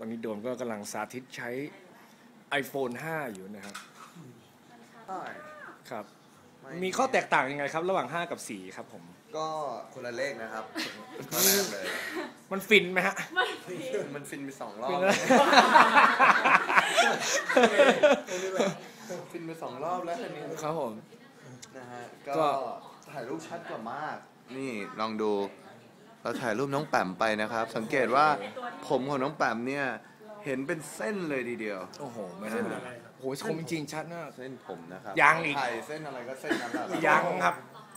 อนนี้โดมก็กำลังสาธิตใช้ iPhone 5 อยู่นะครับครับมีข้อแตกต่างยังไงครับระหว่าง 5 กับ 4 ครับผมก็คนละเลขนะครับก็แรกเลยมันฟินไหมฮะมันฟินไป2 รอบฟินไป2 รอบแล้วคันนี้ครับผมนะฮะก็ถ่ายรูปชัดกว่ามากนี่ลองดูเราถ่ายรูปน้องแปมไปนะครับสังเกตว่าผมของน้องแปมเนี่ยเห็นเป็นเส้นเลยทีเดียวโอ้โหไม่ได้โอ้โหชมจริงชัดมากเส้นผมนะครับยังอีกถ่ายเส้นอะไรก็เส้นนั้นแหละยังครับ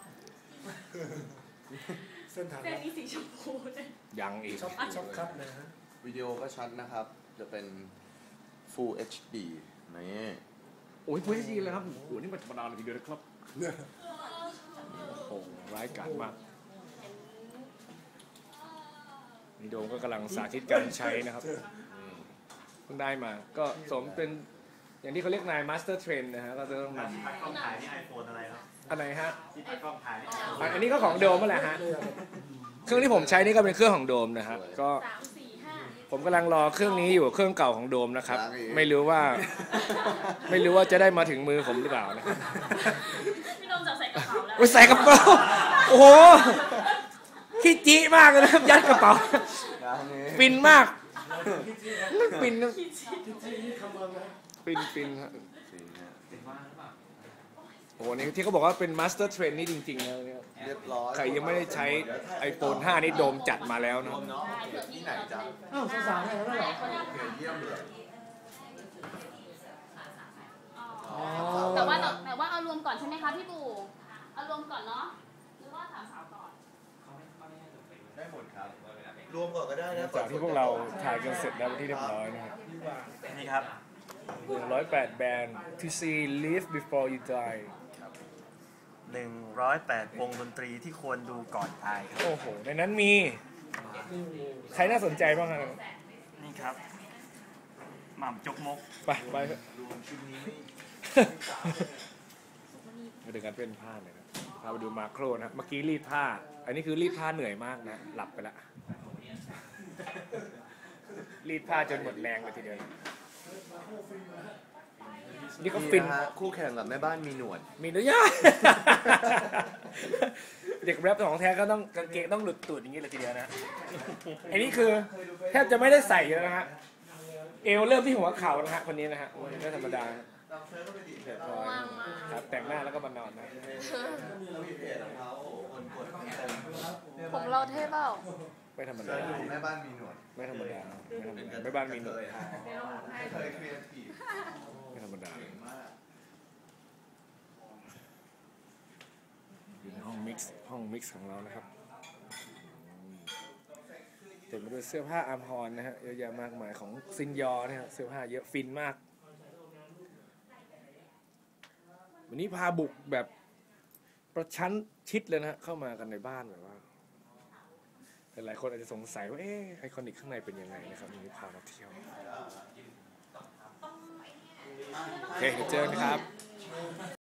เส้นนี้สีชมพูยังอีกช็อปครับนะฮะวิดีโอก็ชัดนะครับจะเป็น Full HD นี่โอ้ย Full HD เลยครับโอ้โหนี่มันธรรมดาเลยทีเดียวนะครับโอ้โหร้ายกาจมากนี่โดมก็กำลังสาธิตการใช้นะครับเพิ่งได้มาก็สมเป็นอย่างที่เขาเรียกนายมาสเตอร์เทรนนะฮะก็จะต้องนำกล้องถ่ายนี่ iPhone อะไรครับอะไรฮะที่กล้องถ่ายนี่อันนี้ก็ของโดมนั่นแหละฮะเครื่องที่ผมใช้นี่ก็เป็นเครื่องของโดมนะฮะก็ผมกำลังรอเครื่องนี้อยู่เครื่องเก่าของโดมนะครับไม่รู้ว่าจะได้มาถึงมือผมหรือเปล่านะพี่โดมจะใส่กระเป๋าแล้วใส่กระเป๋าโอ้โหขี้จิมากเลยนะครับยัดกระเป๋าฟินมากฟินนะฟินฮะโอ้โหนี่ที่เขาบอกว่าเป็นมาสเตอร์เทรนนี่จริงๆนะเนี่ยเรียบร้อยใครยังไม่ได้ใช้ iPhone 5 นี่โดมจัดมาแล้วนะที่ไหนจ๊ะอ้าวสาวๆแล้วเหรอเยี่ยมเลยแต่ว่าเอารวมก่อนใช่ไหมคะพี่ปู่เอารวมก่อนเนาะหรือว่าถามสาวก่อนได้หมดครับรวมก่อนก็ได้นะจากที่พวกเราถ่ายกันเสร็จแล้วที่เรียบร้อยนะครับนี่ครับ 108 แบรนด์ to see live before you die 108 วงดนตรีที่ควรดูก่อนตายครับโอ้โหในนั้นมีใครน่าสนใจบ้างครับนี่ครับหม่ำจกมกไปมาดูกันเป็นผ้าเลยนะพาไปดูมาโครนะเมื่อกี้รีดผ้าอันนี้คือรีดผ้าเหนื่อยมากนะหลับไปละรีดผ้าจนหมดแรงเลยทีเดียวนี่ก็ฟินคู่แข่งกับแม่บ้านมีหนวดมีด้วยเด็กแรปของแท้ก็ต้องกางเกงต้องหลุดตูดอย่างนี้เลยทีเดียวนะอันนี้คือแทบจะไม่ได้ใส่แล้วนะฮะเอวเริ่มที่หัวเข่านะฮะคนนี้นะฮะไม่ธรรมดาครับแต่งหน้าแล้วก็มานอนนะผมเราเท่เปล่าไม่ธรรมดาแม่บ้านมีหนวดไม่ธรรมดาแม่บ้านมีหนวดไม่ธรรมดาอยู่ในห้องมิกซ์ของเรานะครับเต็มไปด้วยเสื้อผ้าอาร์มฮอนนะฮะเยอะแยะมากมายของซินยอนะฮะเสื้อผ้าเยอะฟินมากวันนี้พาบุกแบบประชันชิดเลยนะเข้ามากันในบ้านแบบว่าหลายคนอาจจะสงสัยว่าไอคอนิกข้างในเป็นยังไงนะครับวันนี้พามาเที่ยวโอเคเจอกันครับ